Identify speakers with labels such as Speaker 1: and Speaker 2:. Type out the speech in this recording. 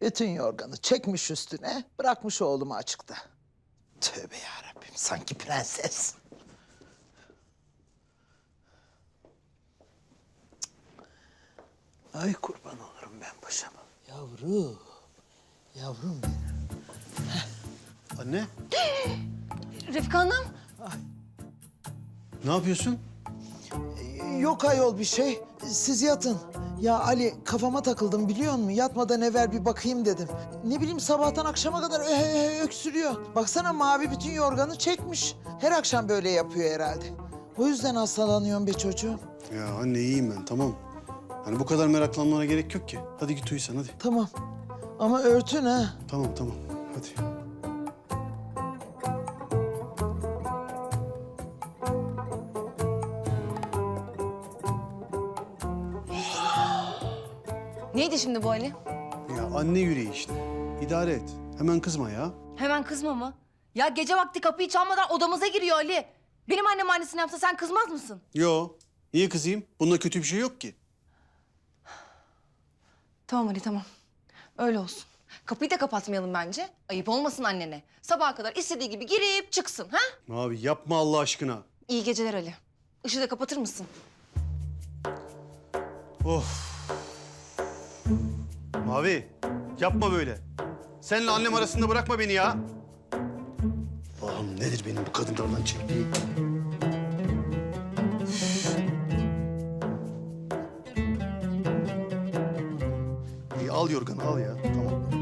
Speaker 1: Bütün yorganı çekmiş üstüne, bırakmış oğlumu açıkta. Tövbe yarabbim, sanki prenses. Ay kurban olurum ben paşama. Yavrum, yavrum benim.
Speaker 2: Anne,
Speaker 3: Refika Hanım.
Speaker 2: ne yapıyorsun?
Speaker 1: Yok ayol bir şey, siz yatın. Ya Ali, kafama takıldım biliyor musun? Yatmadan evvel bir bakayım dedim. Ne bileyim sabahtan akşama kadar öksürüyor. Baksana mavi bütün yorganı çekmiş. Her akşam böyle yapıyor herhalde. O yüzden hastalanıyorum be çocuğum.
Speaker 2: Ya anne iyiyim ben, tamam. Hani bu kadar meraklanmana gerek yok ki. Hadi git uyu sen, hadi.
Speaker 1: Tamam ama örtün ha.
Speaker 2: Tamam, tamam. Hadi.
Speaker 3: Neydi şimdi bu Ali?
Speaker 2: Ya anne yüreği işte. İdare et. Hemen kızma ya.
Speaker 3: Hemen kızma mı? Ya gece vakti kapıyı çalmadan odamıza giriyor Ali. Benim annem annesini yapsa sen kızmaz mısın?
Speaker 2: Yo. Niye kızayım? Bunda kötü bir şey yok ki.
Speaker 3: Tamam Ali tamam. Öyle olsun. Kapıyı da kapatmayalım bence. Ayıp olmasın annene. Sabaha kadar istediği gibi girip çıksın ha?
Speaker 2: Abi yapma Allah aşkına.
Speaker 3: İyi geceler Ali. Işığı da kapatır mısın?
Speaker 2: Of. Mavi, yapma böyle. Seninle annem arasında bırakma beni ya. Allah'ım nedir benim bu kadınlardan çektiğim? İyi al yorganı al ya. Tamam.